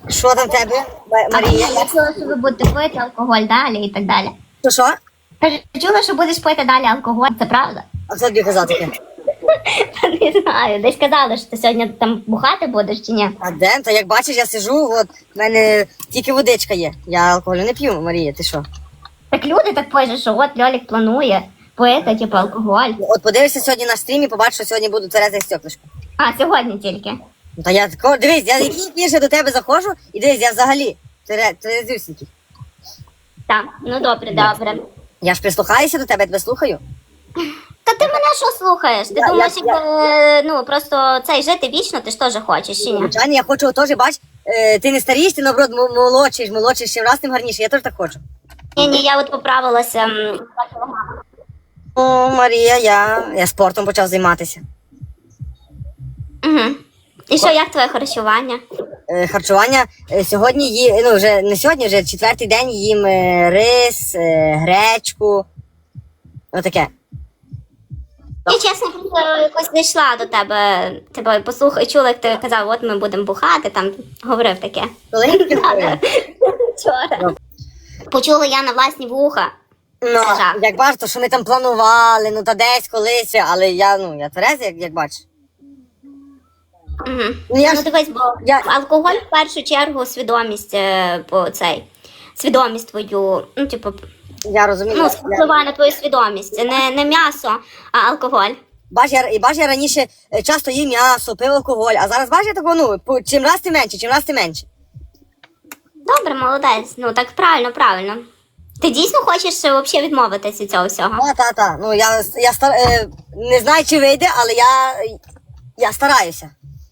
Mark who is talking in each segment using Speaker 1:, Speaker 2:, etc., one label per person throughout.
Speaker 1: Що там в тебе, Марія?
Speaker 2: Я чула, що ви будете пити алкоголь далі і так далі.
Speaker 1: Що?
Speaker 2: Кажу, чула, що будеш пити далі алкоголь, це правда?
Speaker 1: А хто тобі казав таке?
Speaker 2: Не знаю, десь казали, що ти сьогодні там бухати будеш чи ні?
Speaker 1: А де? Та як бачиш, я сижу, от в мене тільки водичка є. Я алкоголю не п'ю, Марія, ти що?
Speaker 2: Так люди так пишуть, що от Льолік планує пити, типу, алкоголь.
Speaker 1: От подивишся сьогодні на стрімі, побачиш, що сьогодні буду тверезий стеклишко.
Speaker 2: А, сьогодні тільки.
Speaker 1: Ну, та я тако, дивись, я який більше до тебе заходжу, і дивись, я взагалі тверезюсінький.
Speaker 2: Так, ну добре.
Speaker 1: Я ж прислухаюся до тебе, я тебе слухаю.
Speaker 2: Та ти мене що слухаєш? Ти
Speaker 1: Я-
Speaker 2: думаєш,
Speaker 1: я-
Speaker 2: ну просто цей жити вічно, ти ж теж хочеш, чи ні?
Speaker 1: Звичайно, я хочу теж, бач, ти не старієш, ти наоборот молодший, ще раз тим гарніше, я теж так хочу.
Speaker 2: Ні, я от поправилася.
Speaker 1: О, Марія, я спортом почав займатися.
Speaker 2: Угу. І що, як твоє харчування?
Speaker 1: Харчування сьогодні ну вже не сьогодні, вже четвертий день їм рис, гречку. Отаке.
Speaker 2: Я чесно просто якось не йшла до тебе послухай, чула, як ти казав, от ми будемо бухати, там говорив таке.
Speaker 1: Коли я таке говорила?
Speaker 2: Вчора. Почула я на власні вуха.
Speaker 1: Ну,
Speaker 2: Це жах.
Speaker 1: як бачиш, то що ми там планували, ну та десь колись, але я тверезий, як бачиш.
Speaker 2: Угу.
Speaker 1: Ну, я
Speaker 2: Ну
Speaker 1: ж-
Speaker 2: дивись, бо алкоголь в першу чергу свідомість свідомість твою, ну типу,
Speaker 1: Я розумію.
Speaker 2: ну впливає на твою свідомість. Не м'ясо, а алкоголь.
Speaker 1: Бач, я раніше часто їв м'ясо, пив алкоголь, а зараз бачиш, я такого, ну, чим раз ти менше.
Speaker 2: Добре, молодець. Ну так правильно. Ти дійсно хочеш взагалі відмовитися від цього всього?
Speaker 1: Та. Ну, не знаю, чи вийде, але я стараюся.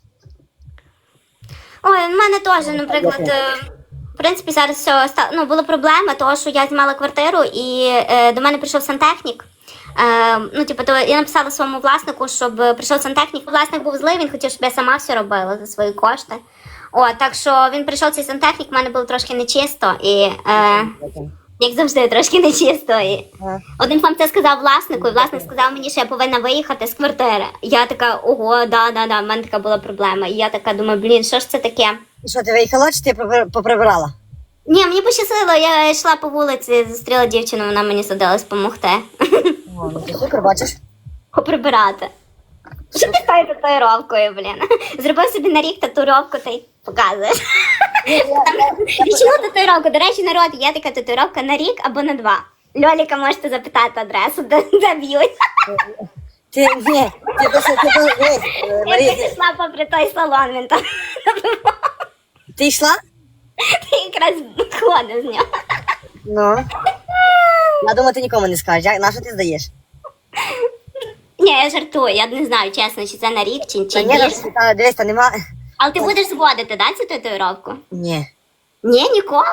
Speaker 2: Ой, в мене теж, наприклад, в принципі, зараз все була проблема, того, що я знімала квартиру, і до мене прийшов сантехнік. Ну, типу, то я написала своєму власнику, щоб прийшов сантехнік. Власник був злий, він хотів, щоб я сама все робила за свої кошти. Так що він прийшов цей сантехнік, в мене було трошки нечисто, і як завжди, трошки нечисто. І один вам це сказав власнику, і власник сказав мені, що я повинна виїхати з квартири. Я така, ого, да, в мене така була проблема. І я така думаю, блін, що ж це таке?
Speaker 1: І що, ти виїхала, чи ти поприбирала?
Speaker 2: Ні, мені пощастило, я йшла по вулиці, зустріла дівчину, вона мені садилась допомогти.
Speaker 1: О, ну ти супер, бачиш?
Speaker 2: Поприбирати. Що ти тою татуїровкою, блін? Зробив собі на рік татуїровку та й показуєш. Річну татуїровку. До речі, народ, є така татуїровка на рік або на 2. Льоліка можете запитати адресу, де б'ють.
Speaker 1: Ти просто, Марія,
Speaker 2: Я пішла попри той салон, він там
Speaker 1: ти йшла?
Speaker 2: якраз ходив з нього.
Speaker 1: Ну. Я думаю, ти нікому не скажеш. На що ти здаєш?
Speaker 2: Ні, я жартую, я не знаю, чесно, чи це на рік, чи
Speaker 1: Та ні,
Speaker 2: більше.
Speaker 1: дивись, та нема.
Speaker 2: Але ти будеш зводити, да, цю татуїровку?
Speaker 1: Ні.
Speaker 2: Ні, ніколи?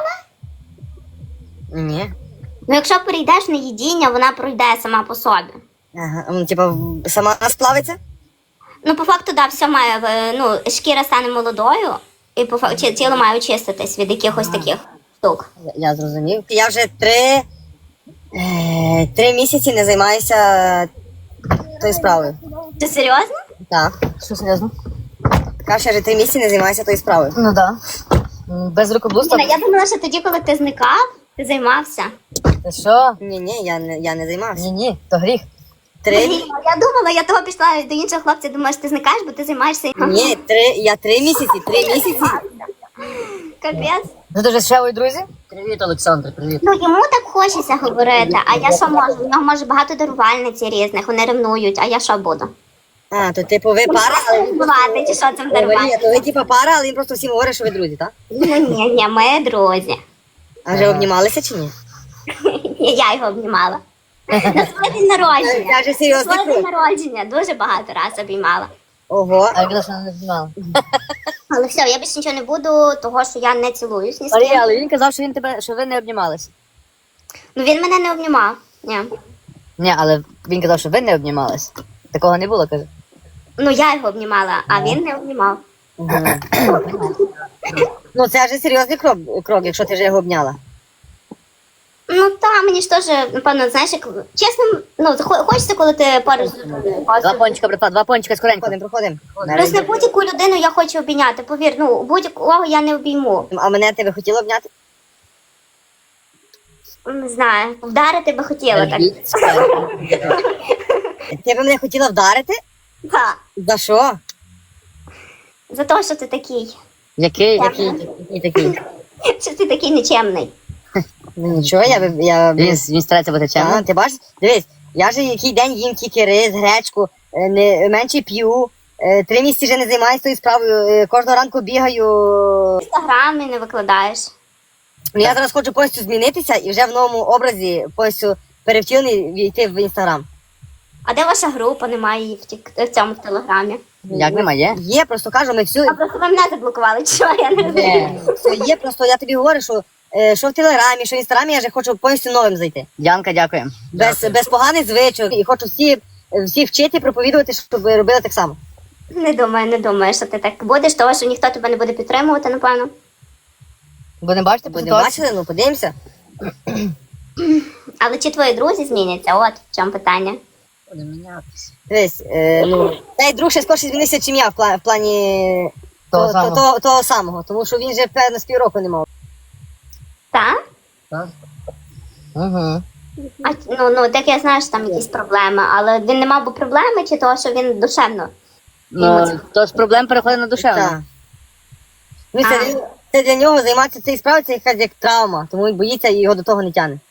Speaker 1: Ні.
Speaker 2: Ну, якщо перейдеш на їдіння, вона пройде сама по собі.
Speaker 1: Ага, ну, типа, сама сплавиться?
Speaker 2: Ну, по факту, да, все має, шкіра стане молодою, і по факту тіло має очиститись від якихось таких штук.
Speaker 1: Я зрозумів. Я вже 3 місяці не займаюся тою справою.
Speaker 2: Ти серйозно?
Speaker 1: Так.
Speaker 3: Що серйозно?
Speaker 1: Кажу, що вже 3 місяці не займаюся тою справою.
Speaker 3: Ну да. Без рукоблудства.
Speaker 2: Я думала, що тоді, коли ти зникав, ти займався.
Speaker 3: Ти що?
Speaker 1: Ні, я не займався.
Speaker 3: Ні, то гріх.
Speaker 1: 3?
Speaker 2: Я думала, я того пішла до іншого хлопця, думала, що ти зникаєш, бо ти займаєшся.
Speaker 1: Ні, я 3 місяці.
Speaker 2: Капець.
Speaker 3: Ну ти вже з Шевою друзі? Привіт, Олександр, привіт.
Speaker 2: Ну, йому так хочеться говорити, а я що можу? У нього може багато дарувальниць різних, вони ревнують, а я що буду?
Speaker 1: А, то типу ви пара, але він
Speaker 2: Бувати, чи що це
Speaker 1: Марія,
Speaker 2: дарувати?
Speaker 1: то ви типу пара, але він просто всім говорить, що ви друзі, так?
Speaker 2: Ну, ні, ми друзі.
Speaker 1: А вже обнімалися чи ні?
Speaker 2: Я його обнімала. На своє день народження.
Speaker 1: Я вже серйозно.
Speaker 2: На своє день народження дуже багато раз обіймала.
Speaker 1: Ого.
Speaker 3: А я казав, що не знімала.
Speaker 2: Але все, я більше нічого не буду, того що я не цілуюсь ні з
Speaker 3: Марія,
Speaker 2: ким.
Speaker 3: але він казав, що ви не обнімалися.
Speaker 2: Ну він мене не обнімав. Ні.
Speaker 3: Ні, але він казав, що ви не обнімалися. Такого не було, каже.
Speaker 2: Ну я його обнімала, а він не обнімав.
Speaker 1: Ну це вже серйозний крок, якщо ти вже його обняла.
Speaker 2: Ну Ну та мені ж теж, напевно, знаєш, як чесно, ну хочеться, коли ти поруч з людиною.
Speaker 3: Два пончика, братва, два пончика скоренько.
Speaker 1: Проходимо.
Speaker 2: Плюс не будь-яку людину я хочу обійняти, повір, ну будь-якого я не обійму.
Speaker 1: А мене тебе хотіла обняти?
Speaker 2: Не знаю, вдарити би хотіла так.
Speaker 1: Ти б мене хотіла вдарити?
Speaker 2: Так.
Speaker 1: За що?
Speaker 2: За те, що ти такий.
Speaker 3: Який?
Speaker 2: Що ти такий нечемний.
Speaker 1: Ну нічого,
Speaker 3: Він старається бути чемним.
Speaker 1: Ти бачиш? Дивись, я же який день їм тільки рис, гречку, не менше п'ю, 3 місяці вже не займаюся тою справою, кожного ранку бігаю.
Speaker 2: В інстаграмі не викладаєш.
Speaker 1: Ну, я зараз хочу повністю змінитися і вже в новому образі повністю перевтілений війти в інстаграм.
Speaker 2: А де ваша група? Немає її в цьому в телеграмі.
Speaker 3: Як немає?
Speaker 1: Є, просто кажу, ми всю.
Speaker 2: А просто ви мене заблокували, чи що? Я не розумію.
Speaker 1: Все є, просто я тобі говорю, що в телеграмі, що в інстаграмі я вже хочу повністю новим зайти.
Speaker 3: Діанка, дякую.
Speaker 1: Без поганих звичок. І хочу всі вчити, проповідувати, щоб робили так само.
Speaker 2: Не думаю, що ти так будеш, тому що ніхто тебе не буде підтримувати, напевно.
Speaker 3: Будемо бачити по
Speaker 1: Будемо
Speaker 3: ситуації?
Speaker 1: бачити, ну подивимося.
Speaker 2: Але чи твої друзі зміняться? От в чому питання.
Speaker 3: Будемо мінятися.
Speaker 1: Дивись, цей друг ще скорше змінився, чим я в плані того самого, тому що він же певно з півроку не мав.
Speaker 2: Так?
Speaker 3: Так. Угу.
Speaker 2: А, ну, так я знаю, що там якісь проблеми, але він не мав би проблеми, чи того, що він душевно?
Speaker 3: Ну, то з проблем переходить на душевну.
Speaker 1: Так. Ну, це для нього займатися цією справою, це якась як травма, тому він боїться і його до того не тягне.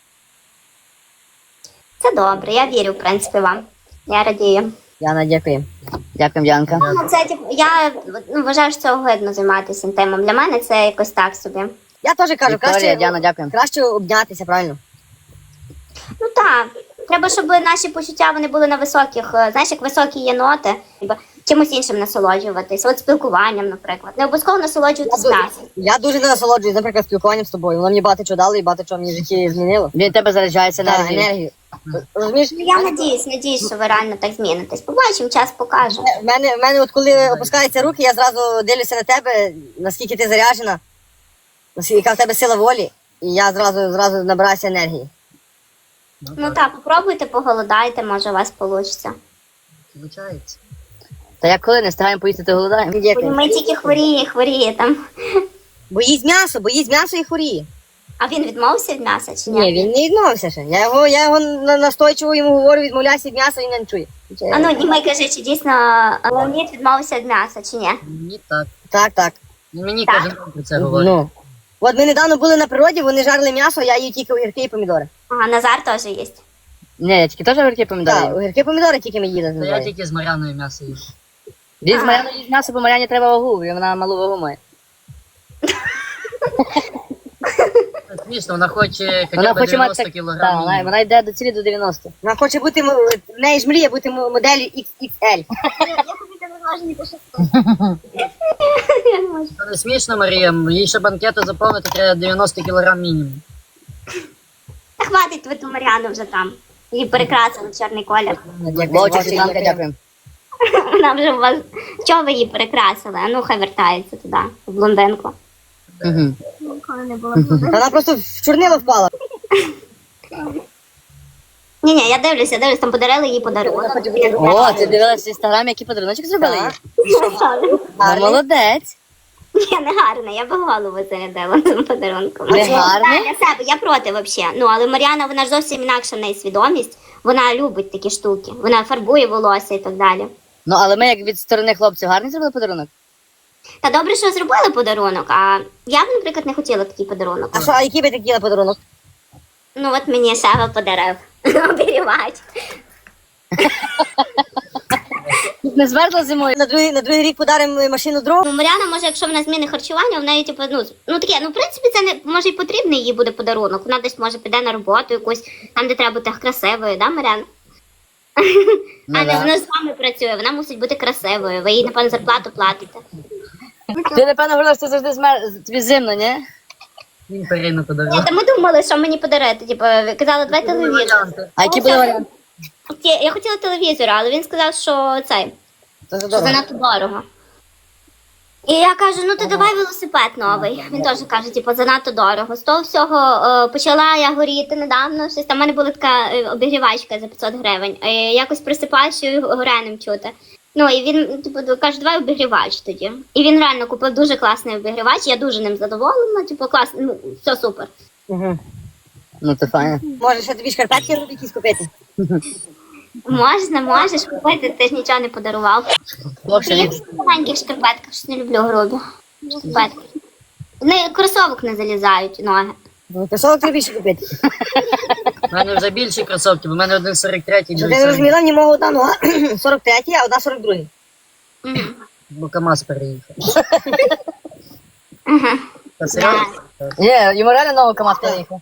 Speaker 2: Це добре, я вірю, в принципі, вам. Я радію.
Speaker 1: Яна, дякую.
Speaker 3: Дякую, Діанка.
Speaker 2: Ну, це, я вважаю, що це огидно займатися інтимом. Для мене це якось так собі.
Speaker 1: Я теж кажу,
Speaker 3: Вікторія, Діана, дякую.
Speaker 1: краще обнятися, правильно?
Speaker 2: Ну так. Треба, щоб наші почуття вони були на високих, знаєш, як високі є ноти, чимось іншим насолоджуватись, от спілкуванням, наприклад. Не обов'язково насолоджуватись м'ясом.
Speaker 1: Я дуже не насолоджуюсь, наприклад, спілкуванням з тобою. Воно мені багато чого дало і багато чого мені в житті змінило.
Speaker 3: Він тебе заряджається
Speaker 1: Так,
Speaker 3: енергією.
Speaker 1: енергію. Розумієш?
Speaker 2: Ну, я надіюсь, що ви реально так змінитесь. Побачимо, час покаже.
Speaker 1: В мене от коли опускаються руки, я зразу дивлюся на тебе, наскільки ти заряджена, яка в тебе сила волі, і я зразу набираюся енергії.
Speaker 2: Ну так, попробуйте, поголодайте, може у вас вийде.
Speaker 3: Получається. Та як коли не встигаємо поїсти, то голодаємо.
Speaker 1: Дякую.
Speaker 2: Ми тільки хворіє там.
Speaker 1: Боїть м'ясо і хворіє.
Speaker 2: А він відмовився від м'яса чи ні?
Speaker 1: Ні, він не відмовився ще. Я його настойчиво йому говорю, відмовляйся від м'яса, він не чує.
Speaker 2: А ну, Німей, кажи, чи дійсно Леонід відмовився від м'яса, чи ні?
Speaker 3: Мені так.
Speaker 1: Так.
Speaker 3: Мені
Speaker 2: Так.
Speaker 3: кожен день про це говорить.
Speaker 1: Ну. От ми недавно були на природі, вони жарили м'ясо, я їв тільки огірки і помідори.
Speaker 2: Ага, Назар теж є.
Speaker 3: Ні, я тільки теж огірки помідори.
Speaker 1: Так,
Speaker 3: їм.
Speaker 1: огірки і помідори тільки ми їли з
Speaker 4: Та я
Speaker 1: Назаром.
Speaker 4: тільки з Мар'яною м'ясо їм.
Speaker 3: Він з Мар'яною їсть м'ясо, бо Мар'яні треба вагу, і вона малу вагу має.
Speaker 4: Смішно, вона хоче
Speaker 3: Вона
Speaker 4: хоча б
Speaker 3: хоче
Speaker 4: 90
Speaker 3: мати... Так,
Speaker 4: кілограмів.
Speaker 3: вона йде до цілі до 90.
Speaker 1: Вона хоче бути, в неї ж мріє бути моделлю XXL.
Speaker 2: Я не можу.
Speaker 4: Це не смішно, Марія, їй ще банкету заповнити треба 90 кілограм мінімум.
Speaker 2: Та хватить ви ту Мар'яну вже там. Її перекрасили в чорний колір.
Speaker 3: Вовчик, Світланка, дякую.
Speaker 2: Вона вже у вас. Чого ви її перекрасили? А ну хай вертається туди, в блондинку.
Speaker 3: Угу.
Speaker 2: Ніколи не було.
Speaker 1: Вона просто в чорнило впала.
Speaker 2: Ні, я дивлюсь, там подарили їй подарунок.
Speaker 3: О, ти дивилась в інстаграмі, який подаруночок зробили їй?
Speaker 1: Так.
Speaker 3: Ну, молодець.
Speaker 2: Ні, не гарно, я би голову зарядила цим подарунком.
Speaker 3: Не гарний?
Speaker 2: Для себе, я проти взагалі. Ну, але Мар'яна, вона ж зовсім інакша в неї свідомість. Вона любить такі штуки. Вона фарбує волосся і так далі.
Speaker 3: Ну, але ми як від сторони хлопців гарний зробили подарунок?
Speaker 2: Та добре, що зробили подарунок, а я б, наприклад, не хотіла такий подарунок.
Speaker 1: А який би ти хотіла подарунок?
Speaker 2: Ну, от мені Сева подарив. Оберігать.
Speaker 3: Не змерзла зимою?
Speaker 1: На другий рік подаримо машину дров.
Speaker 2: Ну, Мар'яна, може, якщо вона зміни харчування, в неї, типу, таке, в принципі, це не, може, і потрібний їй буде подарунок. Вона десь, може, піде на роботу якусь, там, де треба бути красивою, да, Мар'яна?
Speaker 3: Ну,
Speaker 2: А не
Speaker 3: да.
Speaker 2: вона з вами працює, вона мусить бути красивою, ви їй, напевно, зарплату платите.
Speaker 3: Ти, напевно, говорила, що ти завжди тобі зимно, ні?
Speaker 4: Він Перину подарував.
Speaker 2: Та ми думали, що мені подарити, типу, казали, давай телевізор.
Speaker 3: А які були варіанти?
Speaker 2: Я хотіла телевізор, але він сказав, що цей,
Speaker 1: Це
Speaker 2: що
Speaker 1: дорого.
Speaker 2: занадто дорого. І я кажу, ну ти давай велосипед новий. Він теж каже, типу, занадто дорого. З того всього почала я горіти недавно. Щось там в мене була така обігрівачка за 500 гривень. Якось присипаюся і гореним чути. Ну і він типу каже, давай обігрівач тоді. І він реально купив дуже класний обігрівач. Я дуже ним задоволена. Типу, класно, ну все супер.
Speaker 1: Угу.
Speaker 3: Ну це файно.
Speaker 1: Може, ще тобі шкарпетки робити якісь купити?
Speaker 2: Можеш купити, ти ж нічого не подарував.
Speaker 3: Хлопці,
Speaker 2: Я в маленьких шкарпетках, щось не люблю грубі шкарпетки. Вони кросовок не залізають ноги.
Speaker 1: Кросовок тобі більше купити.
Speaker 4: У мене вже більші кросовки, бо в мене один 43-й,
Speaker 1: Ти
Speaker 4: другий
Speaker 1: не
Speaker 4: 40,
Speaker 1: розуміла, ні мого одна нога 43-й, а одна 42-й.
Speaker 2: Мгм.
Speaker 4: бо КамАЗ переїхав.
Speaker 2: Мгм.
Speaker 4: Та серйозно?
Speaker 3: Ні, йому реально новий КамАЗ приїхав.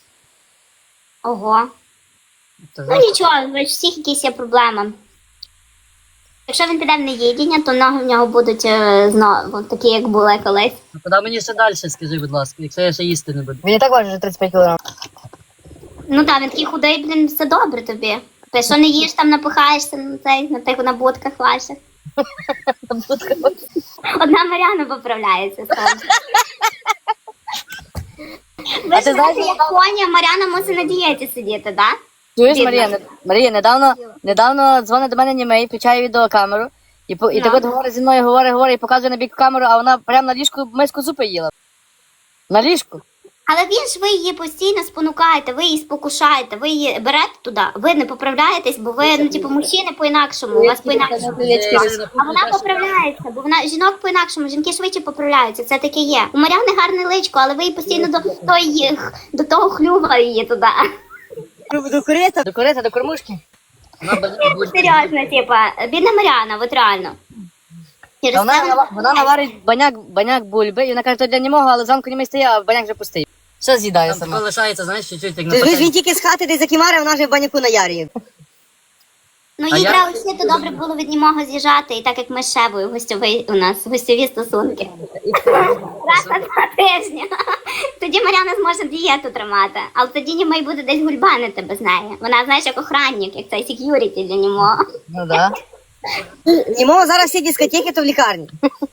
Speaker 2: Ого.
Speaker 4: Та
Speaker 2: Ну нічого, у всіх якісь є проблеми. Якщо він піде в неїдіння, то ноги в нього будуть знову такі, як були колись.
Speaker 4: Ну, куди мені ще далі, скажи, будь ласка, якщо я ще їсти не буду.
Speaker 3: Він і так важить вже 35 кг.
Speaker 2: Ну так, він такий худий, блін, все добре тобі. Ти що не їш, там напихаєшся на цей, на тих на будках ваших. Одна Мар'яна поправляється. Ви ж
Speaker 3: ти знаєш,
Speaker 2: знаєте, як коні, Мар'яна мусить на дієті сидіти, так?
Speaker 3: Чуєш,
Speaker 2: Бідна.
Speaker 3: Марія, недавно дзвонить до мене німей, включає відеокамеру, і
Speaker 2: Ну.
Speaker 3: так от говорить зі мною, говорить, і показує на бік камеру, а вона прямо на ліжку миску зупи їла. На ліжку.
Speaker 2: Але він ж ви її постійно спонукаєте, ви її спокушаєте, ви її берете туди, ви не поправляєтесь, бо ви, ну, типу, мужчини по-інакшому, у вас по-інакшому. А вона поправляється, бо вона жінок по-інакшому, жінки швидше поправляються, це таке є. У Мар'яни гарне личко, але ви її постійно до того хлюва її туди.
Speaker 1: До корита.
Speaker 3: До корита, до кормушки.
Speaker 2: Серйозно, типа, бідна Мар'яна, от реально. Через
Speaker 3: Та
Speaker 2: це
Speaker 3: вона наварить баняк бульби, і вона каже, то для німого, але зранку німей стає, а баняк вже пустий. Все з'їдає
Speaker 4: Там
Speaker 3: сама.
Speaker 4: лишається, знаєш, чуть-чуть, як на
Speaker 1: Ти ж він
Speaker 4: пательні.
Speaker 1: тільки з хати десь закимарив, вона вже в баняку наярює.
Speaker 2: Ну,
Speaker 4: А
Speaker 2: їй
Speaker 4: я-
Speaker 2: треба вчити добре було від німого з'їжджати, і так як ми з Шевою у нас гостьові стосунки. Раз на 2 тижні. Тоді Мар'яна зможе дієту тримати, але тоді німий буде десь гульбанити без неї. Вона, знаєш, як охранник, як цей сек'юріті для німого.
Speaker 3: Ну да.
Speaker 1: Німого зараз всі дискотеки, то в лікарні.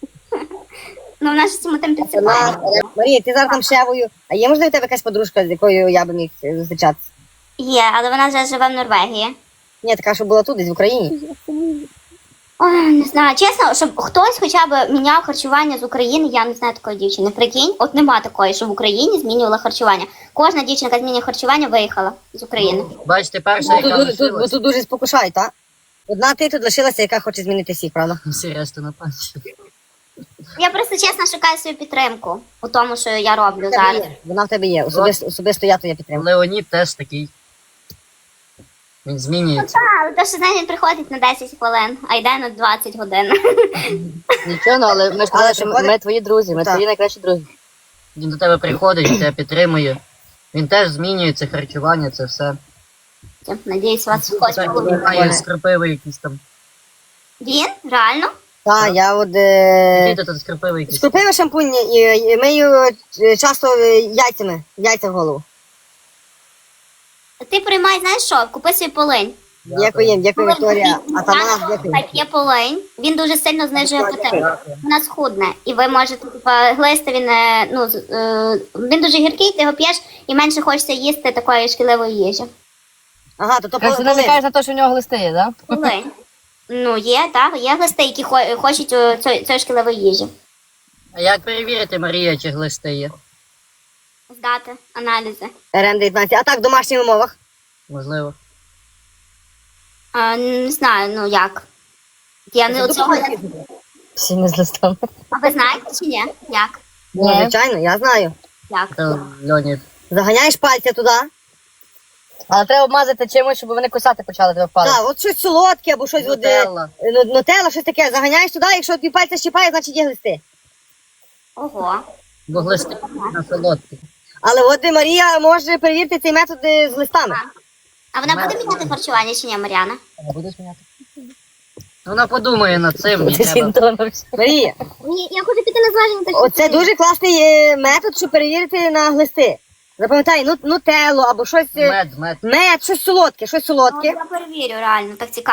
Speaker 2: Ну, вона ж цьому там підсипає.
Speaker 1: Марія, ти зараз там шевою. А є, можливо, в тебе якась подружка, з якою я би міг зустрічатися?
Speaker 2: Є, але вона вже живе в Норвегії.
Speaker 1: Ні, така, що була тут, десь в Україні.
Speaker 2: Ой, не знаю, чесно, щоб хтось хоча б міняв харчування з України, я не знаю такої дівчини. Прикинь, от нема такої, що в Україні змінювала харчування. Кожна дівчинка яка змінює харчування, виїхала з України.
Speaker 4: Бачите, перша, яка
Speaker 1: Бо
Speaker 4: лишилась,
Speaker 1: тут дуже спокушають, так? Одна ти тут лишилася, яка хоче змінити всіх, правда?
Speaker 4: всі решта на пам'ять.
Speaker 2: Я просто чесно шукаю свою підтримку у тому, що я роблю
Speaker 1: В тебе
Speaker 2: зараз.
Speaker 1: є. Вона в тебе є. Особисто я твоя підтримка.
Speaker 4: Леонід теж такий. Він змінюється.
Speaker 2: Але то, що знаєш, він приходить на 10 хвилин, а йде на 20 годин.
Speaker 3: Нічого, ну, але ми ж казали, що ми твої друзі, ми
Speaker 1: Так.
Speaker 3: твої найкращі друзі.
Speaker 4: Він до тебе приходить, він тебе підтримує. Він теж змінюється, харчування, це все.
Speaker 2: Надіюсь, у вас хтось буде.
Speaker 4: Має скропиви якісь там.
Speaker 2: Він? Реально?
Speaker 1: Так, я от
Speaker 4: Діти тут скропиви якісь.
Speaker 1: скупила шампунь і мию часто яйця в голову.
Speaker 2: Ти приймай, знаєш що, купи собі полинь.
Speaker 1: Дякую, Вікторія. А там нас дякую.
Speaker 2: Так, є полинь. Він дуже сильно знижує апетит. Вона схудне. І ви можете, типа, глисти, він дуже гіркий, ти його п'єш і менше хочеться їсти такої шкідливої їжі.
Speaker 1: Ага, то
Speaker 3: Ти намікаєш на те, що в нього глисти є, так?
Speaker 2: Полинь. Ну, є, так, є глисти, які хочуть цієї шкідливої їжі.
Speaker 4: А як перевірити, Марія, чи глисти є?
Speaker 2: Здати аналізи.
Speaker 1: РН-19. А так, в домашніх умовах.
Speaker 4: Можливо.
Speaker 2: Не знаю, ну як. Я не оцього.
Speaker 3: Всі не з листами.
Speaker 2: А ви знаєте чи ні? Як?
Speaker 1: Ну, звичайно, я знаю.
Speaker 2: Як?
Speaker 4: Та, Леонід.
Speaker 1: Заганяєш пальця туди.
Speaker 3: Але треба обмазати чимось, щоб вони кусати почали тебе палець.
Speaker 1: Так, от щось солодке або щось
Speaker 4: Нутелла.
Speaker 1: нутелла, щось таке. Заганяєш туди, якщо тобі пальця щіпає, значить є глисти.
Speaker 2: Ого.
Speaker 4: Бо глисти на солодкі.
Speaker 1: Але от Марія може перевірити цей метод з листами.
Speaker 2: А вона буде міняти харчування чи ні, Мар'яна?
Speaker 3: Не будеш міняти?
Speaker 4: Вона подумає над цим, мені
Speaker 3: Ти
Speaker 4: треба.
Speaker 3: синтонився.
Speaker 1: Марія,
Speaker 2: Ні, я хочу піти на зваження. так
Speaker 1: оце
Speaker 2: що-
Speaker 1: дуже класний метод, щоб перевірити на глисти. Запам'ятай, нутеллу або щось.
Speaker 4: Мед.
Speaker 1: Мед, щось солодке, щось
Speaker 2: Ну,
Speaker 1: солодке.
Speaker 2: я перевірю, реально, так цікаво.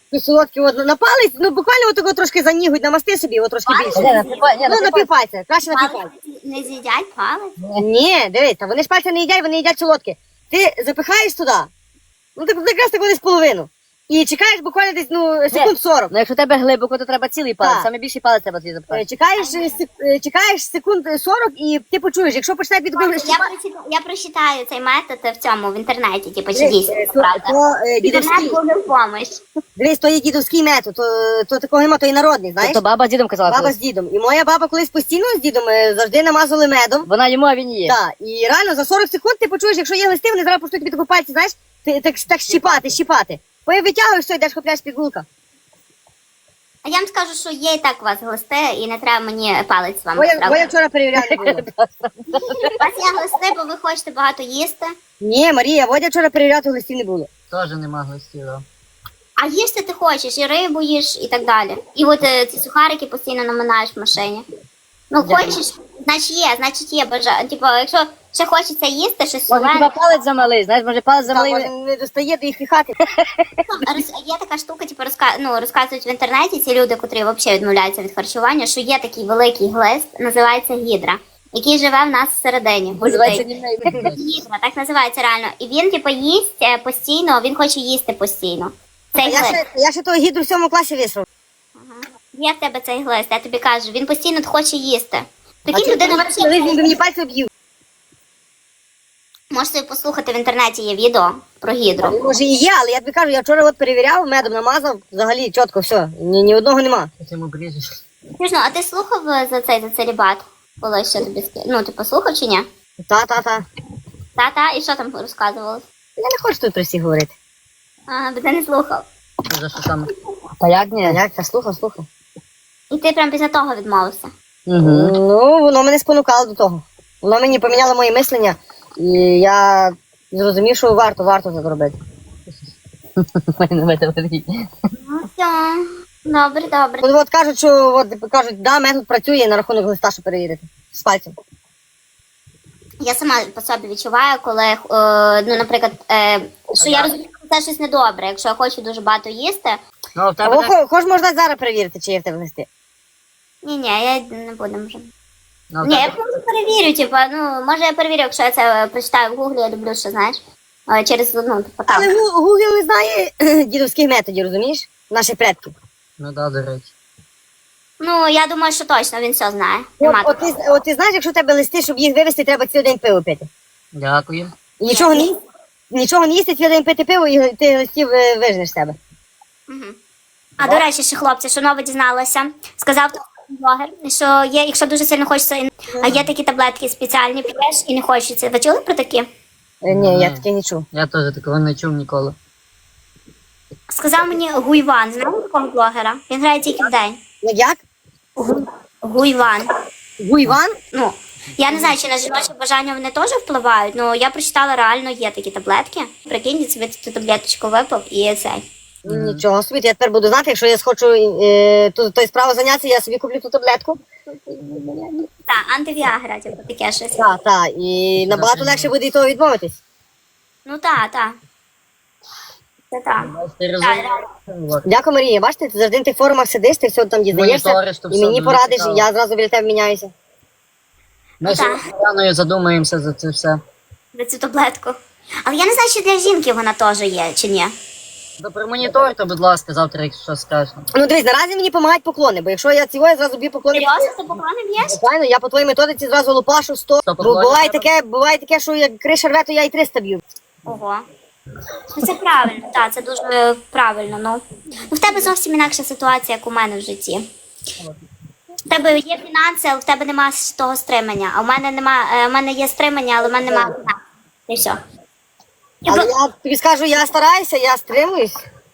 Speaker 1: солодкі от на палець, ну буквально отого трошки занігуть, намасти собі, от трошки більше. Ну, на півпальця, краще на півпальця.
Speaker 2: Не з'їдять палець?
Speaker 1: Ні, дивись, та вони ж пальця не їдять, вони їдять солодке. Ти запихаєш туди, ну так якраз так десь половину. І чекаєш буквально десь, ну, секунд 40.
Speaker 3: Ну якщо у тебе глибоко, то треба цілий палець,
Speaker 1: Так.
Speaker 3: саме більший палець треба тобі запхати.
Speaker 1: Чекаєш секунд 40 і ти почуєш, якщо почне підбігати.
Speaker 2: Я прочитаю цей метод в цьому, в інтернеті, типу, чи дійсно це правда.
Speaker 1: Дідовський.
Speaker 2: Інтернет буде в помощь.
Speaker 1: Дивись, то є дідовський метод, то такого нема, то і народний, знаєш?
Speaker 3: То баба з дідом казала
Speaker 1: Баба
Speaker 3: колись.
Speaker 1: з дідом. І моя баба колись постійно з дідом завжди намазали медом.
Speaker 3: Вона йому, а він її.
Speaker 1: Так, і реально за 40 секунд ти почуєш, якщо є глисти, вони зараз почнуть тобі таку пальці, знаєш, ти так щіпати. Потім витягуєш, все, йдеш купляєш пігулка.
Speaker 2: А я вам скажу, що є і так у вас глисти, і не треба мені палець вам
Speaker 1: Бо я
Speaker 2: відправити.
Speaker 1: вчора перевіряла не було.
Speaker 2: У вас є глисти, бо ви хочете багато їсти.
Speaker 1: Ні, Марія, Водя вчора перевіряти глистів не було.
Speaker 4: Теж нема глистів, да.
Speaker 2: А їсти ти хочеш, і рибу їш, і так далі. І от ці сухарики постійно наминаєш в машині. Ну, хочеш, значить є бажання. Типу, якщо ще хочеться їсти, щось
Speaker 3: Може, хіба
Speaker 2: солене.
Speaker 3: палець замалий, знаєш, може палець
Speaker 1: Так,
Speaker 3: замалий.
Speaker 1: може, не достає до їх хати.
Speaker 2: Є така штука, типу, розказують в інтернеті ці люди, котрі взагалі відмовляються від харчування, що є такий великий глист, називається гідра, який живе в нас всередині. У
Speaker 3: Називається
Speaker 2: людей.
Speaker 3: німей.
Speaker 2: Гідра, так називається реально. І він, типу, їсть постійно, він хоче їсти постійно. Цей глист.
Speaker 1: Я ще того гідру в 7 класі висрав.
Speaker 2: Є в тебе цей глист, я тобі кажу, він постійно хоче їсти.
Speaker 1: А
Speaker 2: Прикинь, людина
Speaker 1: він би мені пальці об'їв.
Speaker 2: можете послухати в інтернеті, є відео про гідру.
Speaker 1: Може і є, але я тобі кажу, я вчора от перевіряв, медом намазав, взагалі чітко все, ні одного нема.
Speaker 4: Потім обріжеш.
Speaker 2: Чесно, а ти слухав за цей целібат? Коли ще тобі ну, ти послухав чи ні?
Speaker 1: Та.
Speaker 2: Та, і що там розказувалось?
Speaker 1: Я не хочу тут про всіх говорити.
Speaker 2: Ага, бо ти не слухав.
Speaker 4: Ти за що саме?
Speaker 3: Та як ні?
Speaker 1: Як? Та слухав.
Speaker 2: І ти прям після того відмовився.
Speaker 3: Угу.
Speaker 1: Ну, воно мене спонукало до того. Воно мені поміняло моє мислення, і я зрозумів, що варто це зробити.
Speaker 2: Ну все, добре.
Speaker 1: От кажуть, да, метод працює на рахунок листа, що перевірити. З пальцем.
Speaker 2: Я сама по собі відчуваю, коли, ну, наприклад, що я розумію, що це щось недобре. Якщо я хочу дуже багато їсти,
Speaker 4: Ну, а в тебе
Speaker 1: Або
Speaker 4: так?
Speaker 1: хоч можна зараз перевірити, чи є в тебе листи.
Speaker 2: ні, я не буду вже.
Speaker 4: Ну, а в
Speaker 2: Ні,
Speaker 4: тебе-
Speaker 2: я просто перевірю, типу, ну, може я перевірю, якщо я це прочитаю в гуглі, я люблю, що знаєш, через, ну, типу, там.
Speaker 1: Але Google не знає дідовських методів, розумієш? Наших предків.
Speaker 4: Ну да, до речі.
Speaker 2: Ну, я думаю, що точно він все знає. Нема такого.
Speaker 1: От ти знаєш, якщо в тебе листи, щоб їх вивезти, треба цілий день пиво пити.
Speaker 4: Дякую.
Speaker 1: І нічого не їсти, цілий день пити пиво, і ти листів вижнеш з себе.
Speaker 2: Мгм. А до речі, ще хлопці, що нове дізналася, сказав блогер, що є, якщо дуже сильно хочеться, а є такі таблетки спеціальні, п'єш і не хочеться. Ви чули про такі?
Speaker 1: Ні, я таке не чув.
Speaker 4: Я теж такого не чув ніколи.
Speaker 2: Сказав мені Гуйван, знаєте такого блогера? Він грає тільки в день.
Speaker 1: Як?
Speaker 2: Гуйван.
Speaker 1: Гуйван?
Speaker 2: Ну, я не знаю, чи на жіноче бажання вони теж впливають, але я прочитала, реально є такі таблетки. Прикинь, собі цю таблеточку випив і цей.
Speaker 1: Нічого собі, я тепер буду знати, якщо я схочу тою справою зайнятися, я собі куплю ту таблетку.
Speaker 2: Так, антивіагра, типу, таке щось.
Speaker 1: Так, і набагато легше буде від того відмовитись.
Speaker 2: Ну так. Це так.
Speaker 4: Ти розумієш?
Speaker 1: Дякую, Марія. Бачите, ти завжди на тих форумах сидиш, ти все там дізнаєшся,
Speaker 4: Моніториш, то
Speaker 1: і
Speaker 4: все
Speaker 1: мені
Speaker 4: дуже
Speaker 1: порадиш,
Speaker 4: цікаво.
Speaker 1: і я зразу біля тебе міняюся.
Speaker 4: Ми з Яною задумаємося за це все.
Speaker 2: За цю таблетку. Але я не знаю, чи для жінки вона теж є, чи ні.
Speaker 4: Да промоніторте, будь ласка, завтра, якщо скажеш.
Speaker 1: Ну дивись, наразі мені допомагають поклони, бо якщо я цього, я зразу б'ю поклони.
Speaker 2: Серйозно, ти поклони б'єш?
Speaker 1: Звичайно, я по твоїй методиці зразу лупашу 100.
Speaker 4: 100
Speaker 1: Бо
Speaker 4: поклонів
Speaker 1: буває таке, що як криша рве, то я і 300 б'ю.
Speaker 2: Ого. Ну це правильно, так, це дуже правильно. Ну в тебе зовсім інакша ситуація, як у мене в житті. В тебе є фінанси, але в тебе немає того стримання. А в мене в мене є стримання, але в мене немає фінансів. І все.
Speaker 1: Але я тобі скажу, я стараюся, я стримуюсь.